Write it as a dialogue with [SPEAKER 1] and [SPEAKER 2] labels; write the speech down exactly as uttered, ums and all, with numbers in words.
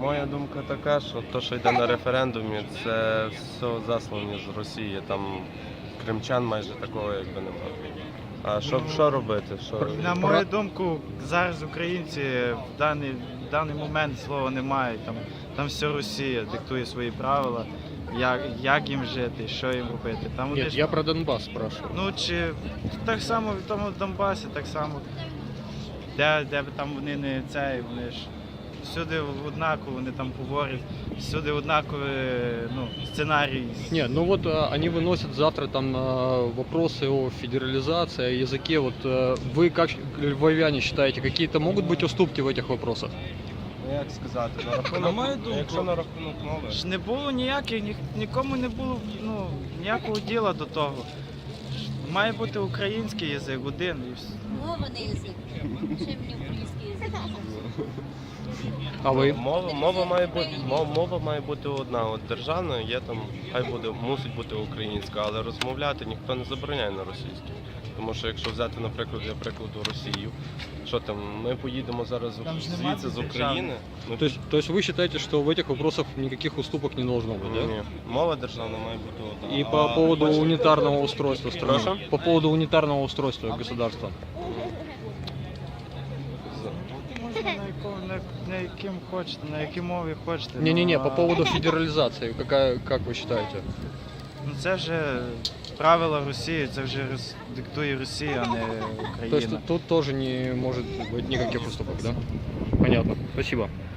[SPEAKER 1] Моя думка така, що те, що йде на референдумі, це все заслані з Росії. Там кримчан майже такого якби немає. А що,
[SPEAKER 2] Ну,
[SPEAKER 1] що робити? Що...
[SPEAKER 2] На мою думку, зараз українці в даний, в даний момент слова не мають. Там, там все Росія диктує свої правила, як, як їм жити, що їм робити. Там вони
[SPEAKER 3] Нет,
[SPEAKER 2] ж-
[SPEAKER 3] я про Донбасс спрашиваю.
[SPEAKER 2] Ну чи так само в тому Донбасі, так само, де, де б там вони не цей, вони ж всюди однаково, вони там говорять, всюди однакові ну, сценарій.
[SPEAKER 3] Нет, ну вот а, они выносят завтра там а, вопросы о федерализации, о языке. Вот а, вы как львовяне считаете, какие-то могут быть уступки в этих вопросах?
[SPEAKER 1] Ну, як сказати, на
[SPEAKER 2] На
[SPEAKER 1] рахунок,
[SPEAKER 2] мою думку,
[SPEAKER 1] якщо на рахунок мови,
[SPEAKER 2] Ж не було ніяких, ні, нікому не було ну, ніякого діла до того. Ж має бути український язик один і все.
[SPEAKER 4] Мова не язик. Ще мені український язик.
[SPEAKER 3] А вы?
[SPEAKER 1] мова, мова, має бути, мова, мова має бути одна. От державна є там, хай буде, мусить бути українська, але розмовляти ніхто не забороняє на російській. Тому що якщо взяти, наприклад, для прикладу Росію, що там, ми поїдемо зараз
[SPEAKER 2] Там ж нема
[SPEAKER 1] звідси з
[SPEAKER 2] державної.
[SPEAKER 1] України. Ну,
[SPEAKER 3] То есть, то есть вы считаете, что в этих вопросах никаких уступок не должно быть, да?
[SPEAKER 1] ні, мова державна має бути одна.
[SPEAKER 3] И
[SPEAKER 1] А
[SPEAKER 3] по поводу
[SPEAKER 1] бачите,
[SPEAKER 3] унитарного устройства страны.
[SPEAKER 1] Прошу?
[SPEAKER 3] По поводу унитарного устройства государства.
[SPEAKER 2] Можна на, якому, на, на яким хочете, на якій мові хочете.
[SPEAKER 3] Не-не-не,
[SPEAKER 2] ну,
[SPEAKER 3] по
[SPEAKER 2] а-
[SPEAKER 3] поводу федерализации, какая, как вы считаете?
[SPEAKER 2] Ну це вже правила Росії, це вже Рос- диктує Росія, а не
[SPEAKER 3] То есть
[SPEAKER 2] Україна.
[SPEAKER 3] тут, тут тоже не может быть никаких уступок, да? Понятно. Спасибо.